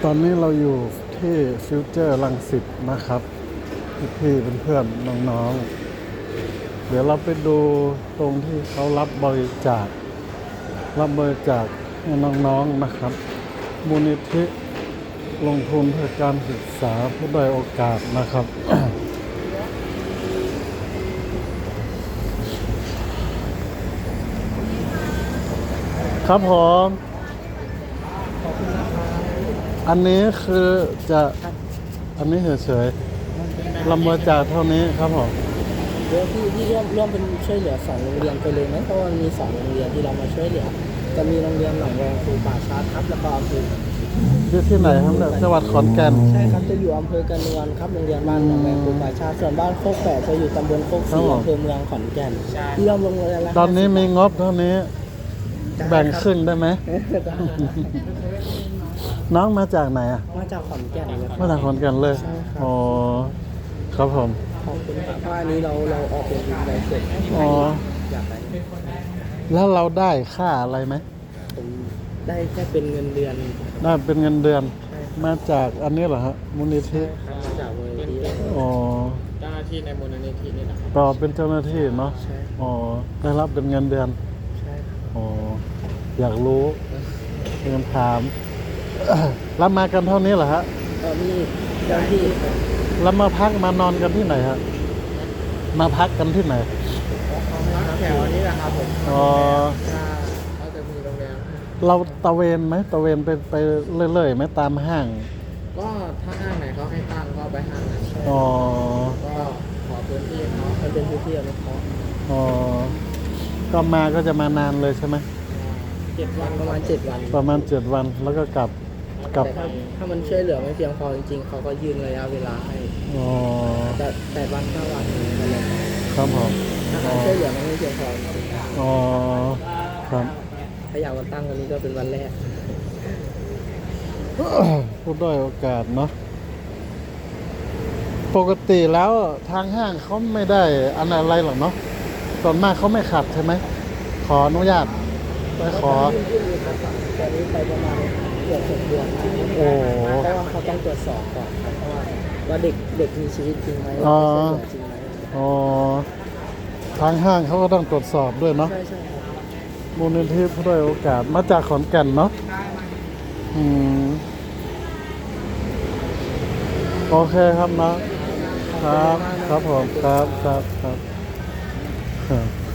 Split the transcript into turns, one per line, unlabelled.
อนนี้เราอยู่ที่ฟิวเจอร์รังสิตนะครับพี่ๆเพื่อนๆน้องๆเดี๋ยวเราไปดูตรงที่เขารับบริจาคให้น้องๆนะครับมูลนิธิลงทุนเพื่อการศึกษาผู้ด้อยโอกาสนะครับ ครับผมอันนี้คือจะอันนี้เฉยๆลำบากจากเท่านี้ครับผม
เดี๋ยวที่ร่วมเป็นช่วยเหลือ2โรงเรียนไปเลยไหมเพราะว่ามี2โรงเรียนที่เรามาช่วยเหลือจะมีโรงเรียนหนองแวงครูป่าชาครับแล้วก็อำเภอ
ที่ไหนครับเนี่ยจังหวัดขอนแก่น
ใช่ครับจะอยู่อำเภอกระนวนครับโรงเรียนบ้านหนองแวงครูป่าชาส่วนบ้านโคกแฝดจะอยู่ตำบลโคกศรีอำเภอเมืองขอนแก่นที่ร่วมโรงเรียนละ
ตอนนี้มีงบเท่านี้แบ่งครึ่งได้ไหม น้องมาจากไหนอ่ะ
มาจากขอนแก่นเลย
มาจากขอนแก่นเลย
ใช่ครับ
อ๋อครับผม
ขอบคุณครับเพราะอันนี้เราออกเป็นใบเสร็จ
อ๋อ
อยากได้
แล้วเราได้ค่าอะไรไหม
ผมได้แค่เป็นเงินเดือน
ได้เป็นเงินเดือน
ใช่
มาจากอันนี้เหรอฮะมูลนิธิ
ครับมาจากมูลนิธิ
อ๋อ
เจ้าหน้าที่ในมูลนิธินี่นะครับ
ก็เป็นเจ้าหน้าที่เนาะ
ใช่
อ๋อได้รับเป็นเงินเดือน
ใช่ครับ
อ๋ออยากรู้เรียนถาม แล้วมากันเท่านี้เหรอฮะ
มีเจ้าหน้าที่
แล้วมาพักมานอนกันที่ไหนฮะมาพักกันที่ไหน
แถวนี้แหละครับผม
อ๋อ
เขาจะมีโรงแรม
เราตะเวนไหมตะเวนไปเรื่อยๆไหมตามห้าง
ก็ถ้าห้างไหนเขาให้ตั้งก็ไปห้างนั้น
อ๋อ
ก็ขอพื้นที่เขามันเป็นพื้นที่อนุเคราะห์
อ๋อก็มาก็จะมานานเลยใช่ไหม
7 วันประมาณ7 วัน
ประมาณ7 วันแล้วก็กลับ
แต่ถ้ามันช่วยเหลือไม่เพียงพอจริงๆเขาก็ยืนระยะเวลาให้
อ๋อ
แต่วัน5 วันอะไรอย่างเงี้ย
ครับผม
ถ้าการช่วยเหลือมันไม่เพียงพอจริง
อ๋อครับ
ๆถ้าอยากมาตั้งวันนี้ก็เป็นวันแรก
ผู้ด้อยโอกาสเนาะปกติแล้วทางห้างเขาไม่ได้อันอะไรหรอกเนาะส่วนมากเขาไม่ขัดใช่ไหมขออนุญาตไปขอ
ยื่นเอกสารตอนนี้ไปประมาณเกือบ6 เดือน
โอ้
เพราะว่าเขาต้องตรวจสอบก่อนครับเพราะว่าเด็กมีชีวิตจริงไหม
อ๋อ
ช่วยเหลือจริงไหม
อ๋อทางห้างเขาก็ต้องตรวจสอบด้วยเนาะ
ใช่ครับ
มูลนิธิผู้ด้อยโอกาสมาจากขอนแก่นเนาะอืมโอเคครับเนาะครับครับผมครับครับครับ